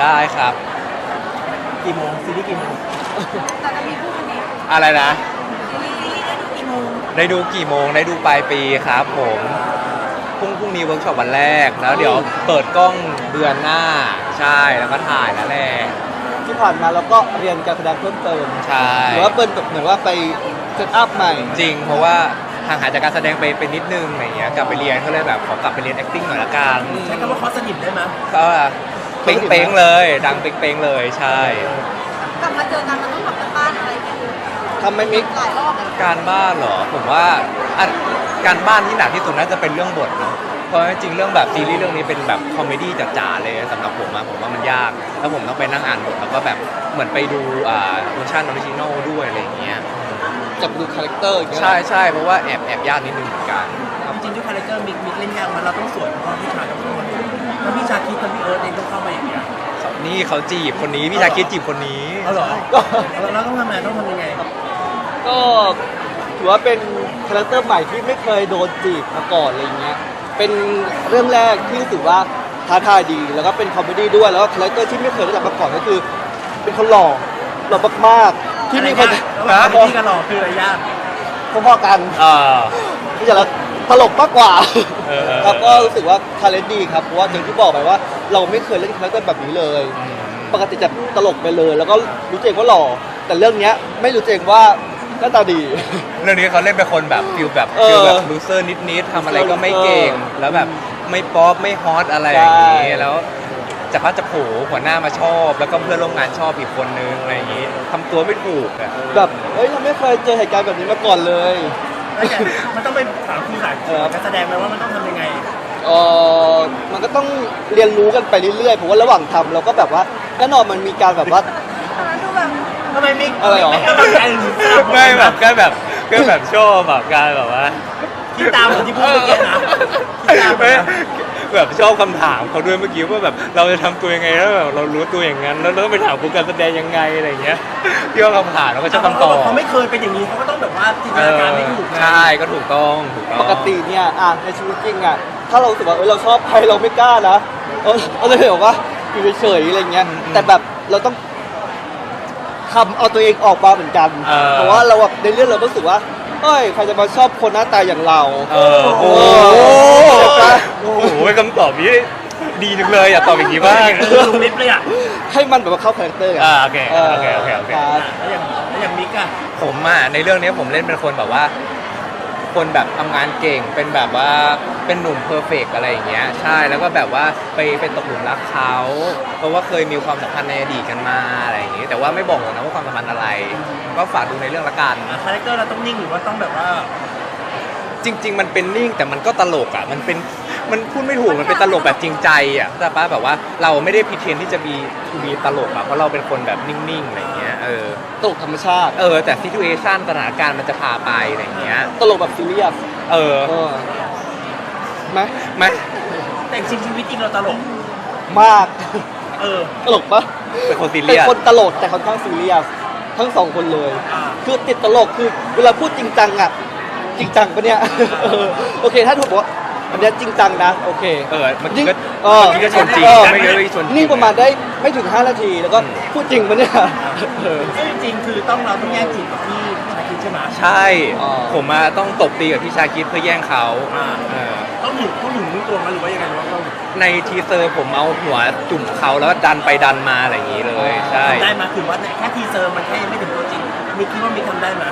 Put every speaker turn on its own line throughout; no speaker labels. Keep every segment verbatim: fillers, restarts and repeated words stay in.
ได้ครับ
กี่โมงซีรีส์กี่โมง
แต่จะมีพูดวันนี้
อะไรนะ
ซีรีส์ได้ดูกี่โมง
ได้ดูกี่โมงได้ดูปลายปีครับผมพรุ่งพรุ่งนี้เวิร์กช็อปวันแรกแล้วเดี๋ยวเปิดกล้องเดือนหน้าใช่แล้วก็ถ่ายแล้วแหละ
ที่ผ่านมาเราก็เรียนการแสดงเพิ่มเติม
ใช่
หรือว่าเป็นแบบเหมือนว่าไปเซตอัพใหม่
จริงเพราะว่าห่างหายจากการแสดงไปเป็นนิดนึงอะไรเงี้ยกลับไปเรียนก็เลยแบบขอกลับไปเรียน acting หน่อยละกัน
ใช้คำว่าคอสนิทได้ไหม
ก็เป้งๆเลยดังเป้งๆเลยใช่
กลับมาเจอกันมันต้องทำกันบ้านอะไรกัน
ทำไม่มิก
หลายรอบเลย
การบ้านเหรอผมว่าการบ้านที่หนักที่สุดน่าจะเป็นเรื่องบทเนาะเพราะจริงเรื่องแบบซีรีส์เรื่องนี้เป็นแบบคอมเมดี้จ๋าๆเลยสำหรับผมอะผมว่ามันยากแล้วผมต้องไปนั่งอ่านบทแล้วก็แบบเหมือนไปดูอ่าเวอร์ชันออริจินอลด้วยอะไรอย่างเงี้ย
จับดูคาแรคเตอร์
ใช่ใช่เพราะว่าแอบแอบยากนิดนึงเหมือนกัน
จริงๆด้วยคาแรคเตอร์มิกมิกเล่นยากมันเราต้องสวยเพราะพี่ชายต้องเข้ามาแล้วพี่ชาคิดกับพี่เอิร์ธเองต้องเข้ามาอย่างเงี้ย
นี่เขาจีบคนนี้พี่ชาคิดจีบคนนี้
เอาเหรอก็เราต้องทำไงต้องทำยังไงก็ถือว่าเป็นคาแรคเตอร์ใหม่ที่ไม่เคยโดนจีบมาก่อนอะไรเงี้ยเป็นเรื่องแรกที่รู้สึกว่าท้าทายดีแล้วก็เป็นคอมเมดี้ด้วยแล้วก็คาแรคเตอร์ที่ไม่เคยได้รับมาก่อนก็คือเป็นคนหล่อหล่อมากๆที่มีคนคอมเมดี้กับหล่อคืออะไรยากพอๆกันที่จะตลกมากกว่าครับก็รู้สึกว่าทาเลนต์ดีครับเพราะว่าอย่างที่บอกไปว่าเราไม่เคยเล่นคาแรคเตอร์แบบนี้เลยปกติจะตลกไปเลยแล้วก็รู้ตัวเองว่าหล่อแต่เรื่องนี้ไม่รู้ตัวเองว่าหน้าตาดี
เรื่องนี้เขาเล่นเป็นคนแบบฟิลแบบฟิลแบบลูเซอร์นิดๆทำอะไรก็ไม่เก่งแล้วแบบไม่ป๊อปไม่ฮอตอะไรอย่างนี้แล้วจะพัดจะโผหัวหน้ามาชอบแล้วก็เพื่อนร่วมงานชอบอีกคนนึงอะไรอย่างนี้ทำตัวไม่ถูกอะแบบ
เฮ้ยเราไม่เคยเจอเหตุการณ์แบบนี้มาก่อนเลย
มันต้องไปถามครูสายการแสดงไหมว่ามันต้องทำยังไง
เออมันก็ต้องเรียนรู้กันไปเรื่อยๆผมว่าระหว่างทำเราก็แบบว่าแน่นอนมันมีการแบบว่า
ดูแบบ
ทำไมมิก
อะไรหรอ
ไม่แบบก็แบบก็แบบชอบแบบการแบบว่า
คิดตามเหมือนที่พูดเมื่อกี้นะคิดตาม
แบบชอบคำถามเขาด้วยเมื่อกี้ว่าแบบเราจะทำตัวยังไงแล้วแบบเรารู้ตัวอย่างนั้นแล้วเราต้องไปถามครูการแสดงยังไงอะไรอย่างเงี้ยที่เขาคำถามเราก็จะคำตอบ
เขาไม่เคยเป็นอย่างนี้เขาก็ต้องแบบว่าจินตนาการไม่ถูก
ใช่ก็ถูกต้องถูกต้อง
ปกติเนี่ยอ่ะในชีวิตจริงอ่ะถ้าเรารู้สึกว่าเออเราชอบใครเราไม่กล้านะเออเราเลยบอกว่าอยู่เฉยๆอะไรเงี้ยแต่แบบเราต้องทำเอาตัวเองออกมาเหมือนกันเพราะว่าเราแบบในเรื่องเรารู้สึกว่าเฮ้ยใครจะมาชอบคนหน้าตาอย่างเรา
เออโอ้โหโอ้โหคำตอบนี้ดีจังเลยอยากตอบอย่างนี้บ้าง
ลุงลิฟเลยอ่ะ
ให้มันแบบว่าเข้าคาแรคเตอร์
อ่าโอเคโอเคโอเคโอเค
แล้วอย่างแล้วอย่างมิกอะ
ผมอ่ะในเรื่องนี้ผมเล่นเป็นคนแบบว่าคนแบบทำงานเก่งเป็นแบบว่าเป็นหนุ่มเพอร์เฟกต์อะไรอย่างเงี้ยใช่แล้วก็แบบว่าไปเป็นตกหลุมรักเขาเพราะว่าเคยมีความสัมพันธ์ในอดีตกันมาอะไรอย่างงี้แต่ว่าไม่บอกหรอกนะว่าความสัมพันธ์อะไรก็ฝากดูในเรื่องละกัน
คาแรคเตอร์เราต้องนิ่งหรือว่าต้องแบบว่า
จริงๆมันเป็นนิ่งแต่มันก็ตลกอ่ะมันเป็นมันพูดไม่ถูกมันเป็นตลกแบบจริงใจอ่ะแต่ป้าแบบว่าเราไม่ได้พิเทนที่จะมีมีตลกอ่ะเพราะเราเป็นคนแบบนิ่งๆอะไรเงี้ยเออ
ตลกธรรมชาติ
เออแต่ซิทูเอชั่นสถานการณ์มันจะพาไปอะไรเงี้ย
ตลกแบบซีเรียส
เออ
ไหม
ไหมแต่จริงชีวิตจริงเราตลก
มาก
เออ
ตลกปะ
เป็นคนซีเรี
ยสเป็น
ค
นตลกแต่ค่อนข้างซีเรียสทั้งสองคนเลยคือติดตลกคือเวลาพูดจริงจังอ่ะจริงจังปะเนี่ยโอเคถ้าถูกบอกอันนี้จริงจังนะโอเค
เออมันก็เออมันก็ชวนจริงไม่เยอะชวน
นี่ประมาณได้ไม่ถึงห้านาทีแล้วก็พูดจริงปะเนี่ย
ซึ่งจริงคือต้องเราต้องแย่งจีบกับพี่ชาคิดใช่ไหม
ใช่ผมมาต้องตบตีกับพี่ชาคิดเพื่อแย่งเขา
ต้องหนุนต้องหนุนรู้ตัวมั้ยหรือว่ายังไงว่า
ในทีเซอร์ผมเอาหัวจุ่มเขาแล้วดันไปดันมาอะไรอย่างนี้เลยใช่
ได้มาคือว่าแค่ทีเซอร์มันแค่ไม่ถึงตัวจริงมิกคิดว่ามิกทำได้ไหม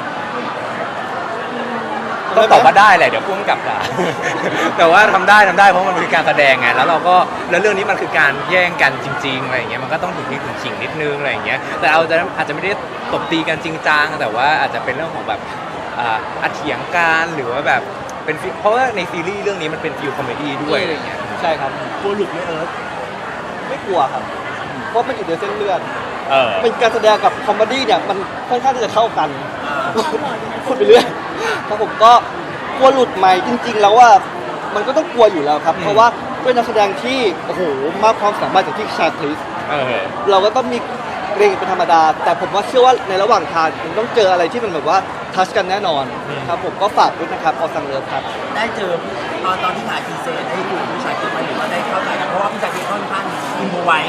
ต้องตอบว่าได้แหละเดี๋ยวพุ่งกลับด่าแต่ว่าทำได้ทำได้เพราะมันคือการแสดงไงแล้วเราก็แล้วเรื่องนี้มันคือการแย่งกันจริงๆอะไรอย่างเงี้ยมันก็ต้องถูกที่ถูกขิงนิดนึงอะไรอย่างเงี้ยแต่เอาจะอาจจะไม่ได้ตบตีกันจริงจังแต่ว่าอาจจะเป็นเรื่องของแบบอ่าเถียงกันหรือว่าแบบเป็นเพราะว่าในซีรีส์เรื่องนี้มันเป็นฟิลคอมเมดี้ด้วยอะไรอย่างเงี้ย
ใช่ครับ
กลัวหลุดไหมเอิร์ธ
ไม่กลัวครับเพราะมันอยู่ในเส้นเลือดเป็นการแสดงกับคอมเมดี้เนี่ยมันค่อนข้างที่จะเข้ากันพูดไปเรื่อยครับผมก็กลัวหลุดใหม่จริงๆแล้วว่ามันก็ต้องกลัวอยู่แล้วครับเพราะว่าเป็นนักแสดงที่โอ้โหมากความสามารถจากที่ชาคริสเราก็ต้องมีเกรงเป็นธรรมดาแต่ผมว่าเชื่อว่าในระหว่างทางมันต้องเจออะไรที่มันแบบว่าทัชกันแน่นอนครับผมก็ฝากด้วยนะครับออสังเลิฟครับ
ได้เจอตอนตอนที่ถ่ายทีเซอร์ได้ดูพี่ชาคริสไหมหรือว่าได้เข้าใจกันเพราะว่าพี่ชาคริสค่อนข้างอินโฟไว้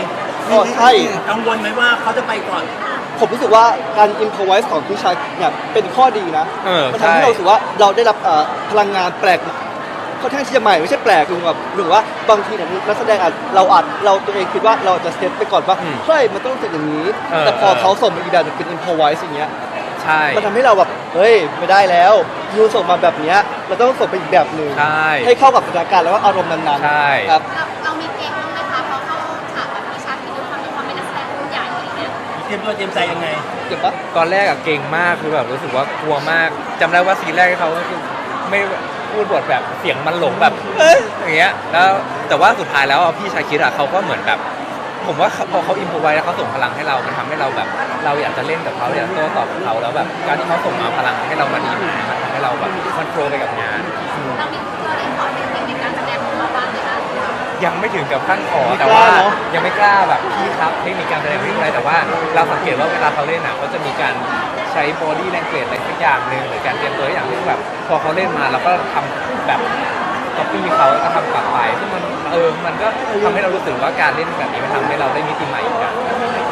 ก็ใช่
กังวลไหมว่าเขาจะไปก่อน
ผมรู้สึกว่าการ improvise ของพี่ชายเนี่ยเป็นข้อดีนะ
เออ
มัน
ใช่
ทำให้เรารู้สึกว่าเราได้รับเอ่อพลังงานแปลกค่อนข้างที่จะใหม่ไม่ใช่แปลกคือแบบหรือว่าบางทีเนี่ยนักแสดงอาจเราอาจเราตัวเองคิดว่าเราจะเซตไปก่อนว่า
อืม
เฮ้ยมันต้องเป็นอย่างนี้
เออ
แต่พอ
เออ
เขาส่งมาอีกแบบหนึ่งเป็น improvise อย่างเงี้ย
ใช่
มันทำให้เราแบบเฮ้ยไม่ได้แล้วยูส่งมาแบบเนี้ยเราต้องส่งไปอีกแบบหนึ่ง
ใช่
ให้เข้ากับสถานการณ์แล้วก็อารมณ์นั้น
ใช่
ๆครับ
เราเรามีเกมบ้างไหมคะเพราะเข้าฉากกับพี่ชาคิดด้วยความที่เขาเป็นนักแสดงรุ่นใหญ่อะไรเงี้ย
เตรียมตัวเตรียมใจยังไง
เก็บปะ
ตอนแรกอะเก่งมากคือแบบรู้สึกว่ากลัวมากจำได้ว่าซีนแรกที่เขาก็คือไม่พูดบทแบบเสียงมันหลงแบบเอ้ยอย่างเงี้ยแล้วแต่ว่าสุดท้ายแล้วอะพี่ชายคิดอะเขาก็เหมือนแบบ ผมว่าพอเขาอินโฟไว้แล้วเขาส่งพลังให้เรา มันทำให้เราแบบ เราอยากจะเล่นกับเขาอยากโต้ตอบกับเขาแล้วแบบการที่เขาส่งมาพลังให้เรามาดีมันทำให้เราแบบมันโปรไปกับงาน
เรามีเราได้ขอเทคนิคในการแสดงของเราบ้างไหมคะ
ยังไม่ถึงกับขั้นขอ
ไม่
แต่
กล้า
ว่า
เนอะ
ยังไม่กล้าแบบพี่ครับเทคนิคการแสดงไม่อะไรแต่ว่าเราสังเกตว่าเวลาเขาเล่นอ่ะเขาจะมีการใช้ body language อะไรสักอย่างหนึ่งหรือการเตรียมตัวอย่างที่แบบพอเขาเล่นมาเราก็ทำแบบก๊อปปี้เขาแล้วก็ทำกลับไปซึ่งมันเออมันก็ทำให้เรารู้สึกว่าการเล่นแบบนี้มันทำให้เราได้มิติใหม่อีกอย่าง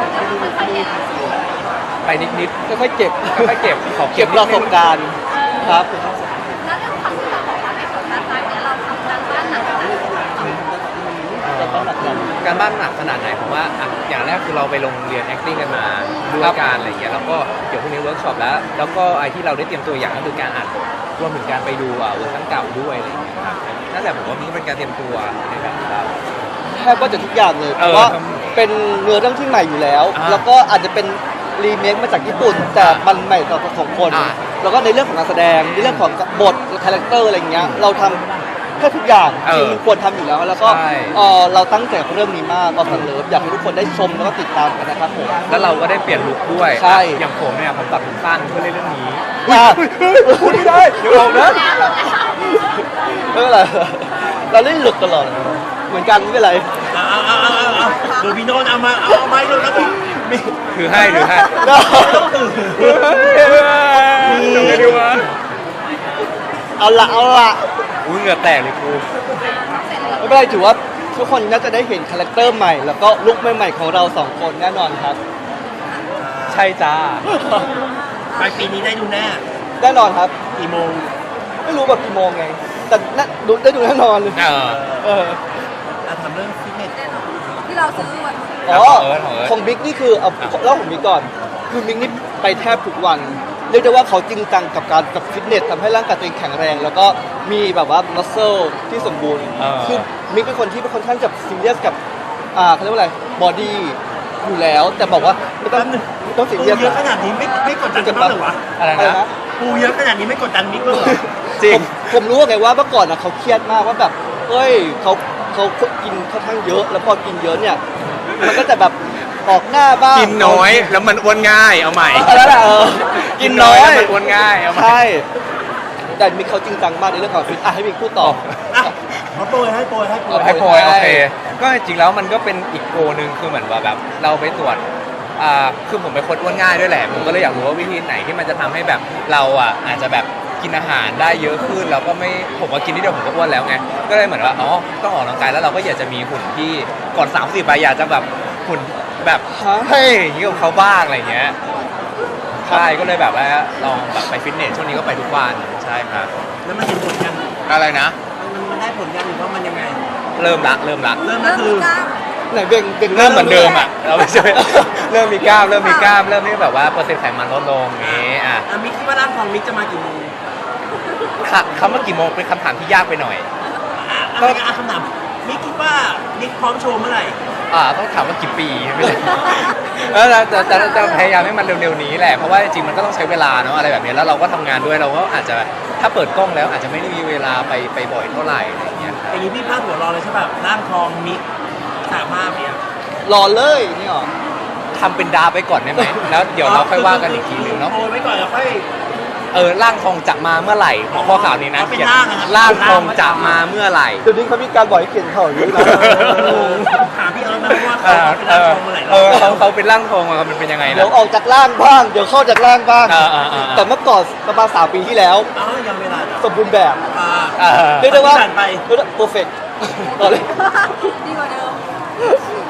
ไปนิด
ค่อยๆเก็บ
ๆค่อยๆเก็บขอ
เก็บประสบการณ์ครับ
แล้วเรื่องความที่เราบอกว่าไม่กดดันใจเนี่ยเราทำการบ้านหนักขนาดไหน
การบ้านหนักขนาดไหนผมว่าอ่ะอย่างแรกคือเราไปลงเรียน acting กันมาด้วยการอะไรอย่างเงี้ยแล้วก็เดี๋ยวพรุ่งนี้เวิร์กช็อปแล้ว แล้วก็ไอที่เราได้เตรียมตัวอย่างก็คือการอ่านบทรวมถึงการไปดูอ่ะเวอร์ชันเก่าด้วยอะไรอย่างเงี้ยครับนั่นแหละผมว่ามันก็เป็นการเตรียมตัวในแบบของเรา
แทบก็จะทุกอย่างเลยเพ
เออ
ราะว่าเป็นเนื้อเรื่องที่ใหม่อยู่แล้ว
อ่า
แล้วก็อาจจะเป็นรีเมคมาจากญี่ปุ่น แต่มันใหม่ต่อของคน
อ่า
แล้วก็ในเรื่องของการแสดงในเรื่องของบทคาแรคเตอร์อะไรอย่างเงี้ยเราทำแค่ทุกอย่าง
เออ
ที่มันควรทำอยู่แล้ว แล้วก็
ใช่
เออเราตั้งใจกับเรื่องนี้มากออสันเลิฟอยากให้ทุกคนได้ชมแล้วก็ติดตามกันนะครับผม
แล้วเราก็ได้เปลี่ยนลุคด้วย
ใช่
อย่างผมเนี่ยผมตัดผมสั้นเพื่อเล่นเรื่องนี้
อ่ะ
พูดไม่ได้เดี๋ยวผมนะ
ไม่เป็นไรเราเล่นหลุดตลอดเหมือนกันไม่เป็นไร
เอาเอาเอาเอาเอาเดี๋ยวพี่โนนเอามาเอาเอาไม้ลงแล้วพี่มี
ถือให้ถือให้
ต้องตื่น
ทำไงดีวะ
เอาละเอาละ
อุ้ยเหงื่อแตกเลยครู
ไม่เป็นไรถือว่าทุกคนน่าจะได้เห็นคาแรคเตอร์ใหม่ แล้วก็ลุคใหม่ๆของเราสองคนแน่นอนครับ
ใช่จ้า
ปลายปีนี้ได้ดูแน่
แน่นอนครับ
กี่โมง
ไม่รู้แบบกี่โมงไง แต่น่าดูได้ดูแน่นอนเลย
เออ
เออ
อ่ะทำเรื่องฟิตเนส
ที่เราซื้อวัน
อ๋อ
ของเอิร์ธของเอิร์ธ
ของบิ๊กนี่คือเอา
อ่ะ
เล่าของบิ๊กก่อน คือบิ๊กนี่ไปแทบทุกวัน เรียกได้ว่าเขาจริงจังกับการกับฟิตเนสทำให้ร่างกายตัวเองแข็งแรง แล้วก็มีแบบว่ามัสเซลที่สมบูรณ์
เออ
คือบิ๊กเป็นคนที่เป็นคนข้างจะซีเรียสกับอ่าเขาเรียกว่าอะไรบอดี้อยู่แล้ว แต่บอกว่าไม่ต้องไม่ต้องซี
ปู
เรียส
เยอะขนาดนี้ไม่ไม่กดดันกันบ้างเหรอวะ
อะไร
อะไร
นะ
นะ
ปูเยอะขนาดนี้ไม่กดดันมิกบ้างเหรอ
จริง
ผมผมรู้ไงว่าเมื่อก่อนนะเขาเครียดมากว่าแบบเฮ้ยเขาเขากินค่อนข้างเยอะ แล้วพอกินเยอะเนี่ย มันก็จะแบบออกหน้าบ้าง
กินน้อยแล้วมันอ้วนง่ายเอาใหม่
เออนั่นแหละเออกินน้อย
แล้วมันอ้วนง่ายเอาใหม่
ใช่แต่มิกเขาจริงจังมากในเรื่องของฟิตอ่ะให้มิกพูดต่อ
อ่ะมาโปรยให้โปรยให้โปรย
ให้โพย
ใช่
โอเค ก็จริงๆแล้วมันก็เป็นอีกโกหนึ่งคือเหมือนว่าแบบเราไปตรวจอ่าคือผมเป็นคนอ้วนง่ายด้วยแหละ ผมก็เลยอยากรู้ว่าวิธีไหนที่มันจะทำให้แบบเราอ่ะอาจจะแบบกินอาหารได้เยอะขึ้นแล้วก็ไม่ผมว่ากินนิดเดียวผมก็อ้วนแล้วไงก็เลยเหมือนว่าอ๋อต้องออกกำลังกายแล้วเราก็อยากจะมีหุ่นที่ก่อนสามสิบไปอยากจะแบบหุ่นแบบ
ฮะ
เฮ้ยอย่างนี้กับเขาบ้างอะไรอย่างเงี้ยใช่ก็เลยแบบว่าลองแบบไปฟิตเนสช่วงนี้ก็ไปทุกวันใช่ครับ
แล้วมันเห็นผลยัง
อะไรนะ
มันมันได้ผลยังหรือว่ามันยังไง
เริ่มละเริ่มละ
เริ่มก็
เริ่ม
คือ
กล้าม
ไหนเบ่งเบ่ง
เริ่มเหมือนเดิมอ่ะเราไม่ใช่ เริ่มมีกล้ามเริ่มมีกล้ามเริ่มที่แบบว่าเปอร์เซ็นต์ไขมันลดลงอย่างงี้อ่ะ
อ่ะมิกคิดว่าร่างทองมิกจะมากี่โมง
ค่ะคำว่ากี่โมงเป็นคำถามที่ยากไปหน่อย
อ่ะอะไรกันอ่ะคำถามมิกคิดว่ามิกพร้อมโชว์เมื่อไหร่
อ่าต้องถามว่ากี่ปีไม่ใช่ แล้วจะจะจะจะพยายามให้มันเร็วๆนี้แหละเพราะว่าจริงๆมันก็ต้องใช้เวลาเนาะอะไรแบบนี้แล้วเราก็ทำงานด้วยเราก็อาจจะถ้าเปิดกล้องแล้วอาจจะไม่ได้มีเวลาไปไปบ่อยเท่าไหร่อะไรอย่างเงี้ย
อย่างนี้พี่พลาดหัวรอเลยใช่ป่ะร่างทองมิกสามารถเนี่ย
รอเลยนี่หรอ
ทำเป็นดาไปก่อนได้ไหมแล้วเดี๋ยวเราค่อยว่ากันอีกทีนึงเนาะ
โปรยไว้ก่อนแล้วค่อย
เออร่างทองจะมาเมื่อไหร่ของข้อข่าวนี้นะ
เอาเป็น
เขียน
ร่างอะครับ
ร่างทองจะมาเมื่อไหร่
เดี๋ยวนี้เขามีการบอกให้เขียนเขาอย่างนี้นะ
ถามพี่เอิร์ธนะว่า
เอ
เขา
อ
เป็น
เอ
ร่าง
อ
ทองเมื่อไหร่
เออเขาเขาเป็นร่างทองอะมันเป็นยังไง
เดี๋ย
นะ
วออกจากล่างบ้าง เดี๋ยวเข้าจากล่างบ้าง
อ่าอ่าอ่า
แต่เมื่อก่อนประมาณสามปีที่แล้ว
เอ้ายังเวลาจ้ะ
สมบูรณ์แบบ
อ่า
อ่า
เรียกได้ว่า
ผ่านไป
เพอร์เฟกต์ต่อเลย
ดีกว่าเดิม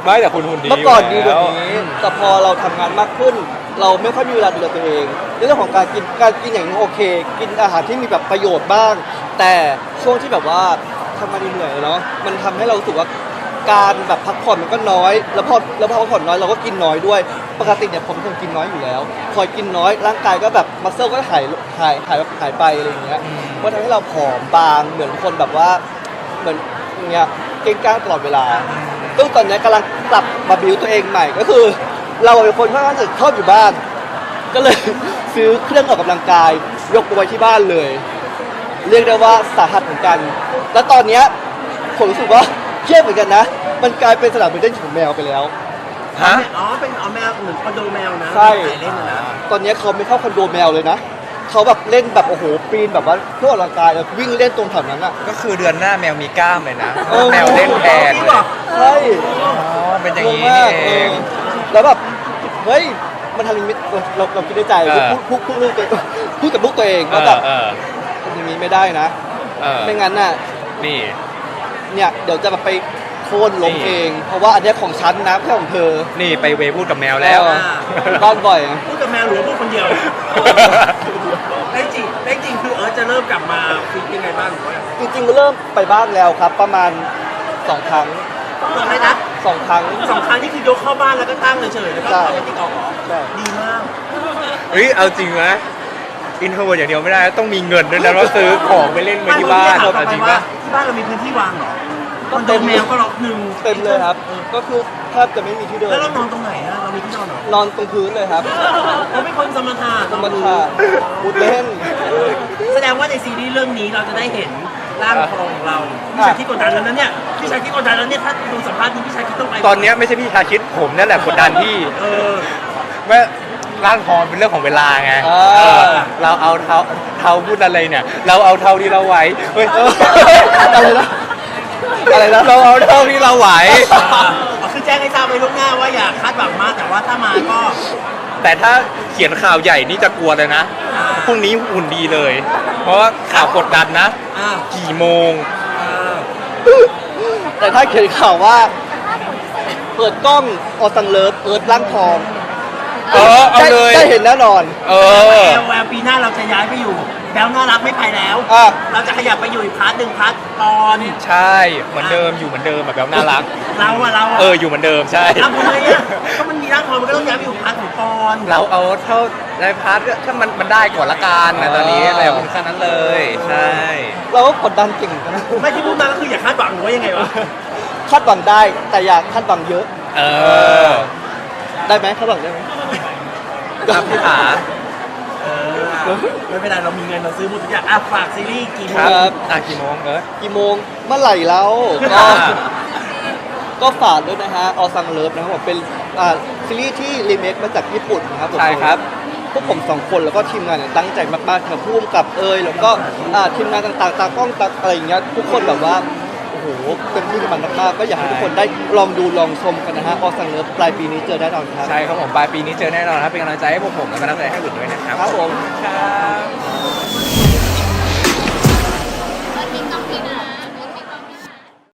ไม่แต่คุณหุ่นดี
เมื่อก่อน
ยู่
ดี
แล้ว
แบบนี้แต่พอเราทำงานมากขึ้น เราไม่ค่อยมีเวลาดูแลตัวเองในเรื่องของการกินการกินอย่างนี้โอเค กินอาหารที่มีแบบประโยชน์บ้าง แต่ช่วงที่แบบว่าทำงานเหนื่อยๆเนาะมันทำให้เรารู้สึกว่าการแบบพักผ่อนมันก็น้อย แล้วพอแล้วพอพักผ่อนน้อยเราก็กินน้อยด้วยปกติเนี่ยผมเป็นคนกินน้อยอยู่แล้ว พอกินน้อยร่างกายก็แบบมัสเซลก็หายหายหายหายไปอะไรอย่างเงี้ยมันทำให้เราผอมบางเหมือนคนแบบว่าเหมือนอย่างเงี้ยเก่งกล้างตลอดเวลา ซึ่งตอนนี้กำลังกลับมาบิวตัวเองใหม่ก็คือ เราเป็นคนค่อนข้างจะชอบอยู่บ้าน ก็เลย ซื้อเครื่องออกกำลังกาย ยกไปไว้ที่บ้านเลย เรียกได้ว่าสาหัสเหมือนกัน แล้วตอนเนี้ยผมรู้สึกว่าเครียดเหมือนกันนะ มันกลายเป็นสนามเด็กของแมวไปแล้ว
ฮะ
อ๋อเป็นอ๋อแมวเหมือนคอนโดแมวนะ
ใช่
ใส่เล่นนะนะ
ตอนนี้เขาไม่เข้าคอนโดแมวเลยนะเขาแบบเล่นแบบโอ้โหปีนแบบว่าเพื่อออกกำลังกายแบบวิ่งเล่นตรงแถวนั้นอ่ะ
ก็คือเดือนหน้าแมวมีกล้ามเลยนะ
เออ
แมวเล่นแทน
จริง
เล
เหร
ย
อ
ใช่
อ๋อเป็นอย่าง
งง
นี้
มา
นี่
ก
เอ
เอง อแล้วแบบเฮ้ยมันทำอย่างนี้เออเราเราคิดในใจ
เออ
พูดพูดพูดลูกตัวเองพูดกับลูกตัวเอง
เอ
ว่า
อ
แบบ
เออ
ทำอย่างนี้ไม่ได้นะ
เออ
ไม่งั้นน่ะ
นี่
เนี่ยเดี๋ยวจะแบบไปโค่นล้ม
นี่
เอง เพราะว่าอันเนี้ยของฉันนะไม่ใช่ของเธอ
นี่ไปเวพูดกับแมวแล้ว
เออบ้านบ่อย
พูดกับแมวหรือว่าพูดคนเดียวได้จริงได้จริงคือเออจะเริ่มกลับมาฟิตยังไงบ้างหรือว่า
จริงๆเริ่มไปบ้างแล้วครับ ประมาณสองครั้ง
ตอนแรกนะ
สองครั้ง
สองครั้งนี่คือยกเข้าบ้านแล้วก็ตั้งเฉยๆแล้วก็
ใช่
เอาไปติ๊กออกเหรอ
ใช่
ดีมาก
เฮ้ยเอาจริงไหมอินโทรเวิร์อย่างเดียวไม่ได้ต้องมีเงินด้วยนะว่าซื้อของไปเล่นมาที่บ้าน
ไม่
เอาจริง
ว่า
ปะ
ที่บ้านเรามีพื้นที่วางเหรอคอนโดแมวก็ล็อกหนึ่ง
เต็มเลยครับ ก็คือแทบจะไม่มีที่เดิน
แล้วเรานอนตรงไหนอะเรามีที่นอนเหรอน
อนตรงพื้นเลยครับ
เราเป็นคนสมถะ
ธรรมชาติมุดเล่น
แสดงว่าในซีรีส์เรื่องนี้เราจะได้เห็นร่างทองของเราพี่ชายที่กดดันแล้วนั้นเนี่ยพี่ชายที่กดดันแล้วเนี่ยถ้าดูสัมภาษณ์นี้พี่ชายคิดต้องไป
ตอนเนี้ยไม่ใช่พี่ชาคิดผมนั่นแหละกดดันพี่
เออ
ว่าร่างทองเป็นเรื่องของเวลาไง
อ่า
เออเราเอาเท้าเท้าพูดอะไรเนี่ย เราเอาเท่าที่เราไหวเฮ้ย
อะไรนะอะไรนะ
เราเอาเท่าที่เราไหว
อ่าคือแจ้งให้ทราบไว้ล่วงหน้าว่าอย่าคาดหวังมากแต่ว่าถ้ามาก็
แต่ถ้าเขียนข่าวใหญ่นี่จะกลัวเลยนะ
อ่า
พรุ่งนี้หุ่นดีเลย เพราะว่าข่าวกดดันนะ
อ่า
กี่โมง
อ่า
แต่ถ้าเขียนข่าวว่า เปิดกล้องออสังเลิฟเอิร์ธร่างทอง
เออเอาเลย
ได้ได้เห็นแน่นอน
เออ
แววแววปีหน้าเราจะย้ายไปอยู่แบลน่ารักไม่ไปแล้ว
อ่ะ
เราจะขยับไปอยู่อีกพาร์ทหนึ่งพาร์ทตอน
ใช่เหมือนเดิมอยู่เหมือนเดิมแบบน่ารัก
เราอะเราอะ
เอออยู่เหมือนเดิมใช่
ทำทำไมอะก็มันมีร่างทองมันก็ต้องย้ายไปอยู่พาร์ทของปอน
เราเอาเท่าในพาร์ทก็ถ้ามันมันได้ก่อนละกันนะตอนนี้อะไรคุณแค่นั้นเลย ใช่
เราก็กดดันเก่งเหมือนกันนะ
ไม่ที่พูดมาก็คืออย่าคาดหวังหรือว่ายังไงวะ
คาดหวังได้แต่อย่าคาดหวังเยอะ
เออ
ได้ไหมคาดหวังได้ไหม
ครับพี่ขา
เออไม่เป็นไรเรามีเงินเราซื้อหมดทุกอย่างอ่ะฝากซีรีส์กี่โม
ค
ง
รับอ่ะกี่โมงเออ
กี่โมงเมื่อไหร่แล้วก็ ก็ฝากด้วยนะฮะออซังเลิฟนะครับผมเป็นอ่าซีรีส์ที่รีเมคมาจากญี่ปุ่นนะครับผม
ใช่ครับ
พวกผมสองคนแล้วก็ทีมงานเนี่ยตั้งใจมากๆครับร่วมกับเอยแล้วก็อ่าทีมงานต่างๆตากล้องตาอะไรอย่างเงี้ยทุกคนแบบว่าโอ้โหเต็มที่กับมันมากๆก็อยากให้ทุกคนได้ลองดูลองชมกันนะฮะออซังเลิฟปลายปีนี้เจอแน่นอนครับ
ใช่ครับผมปลายปีนี้เจอแน่นอนครับเป็นกำลังใจให้พวกผมและกำลังใจให้อื่นด้วยนะครับ
ครับผม
ครับ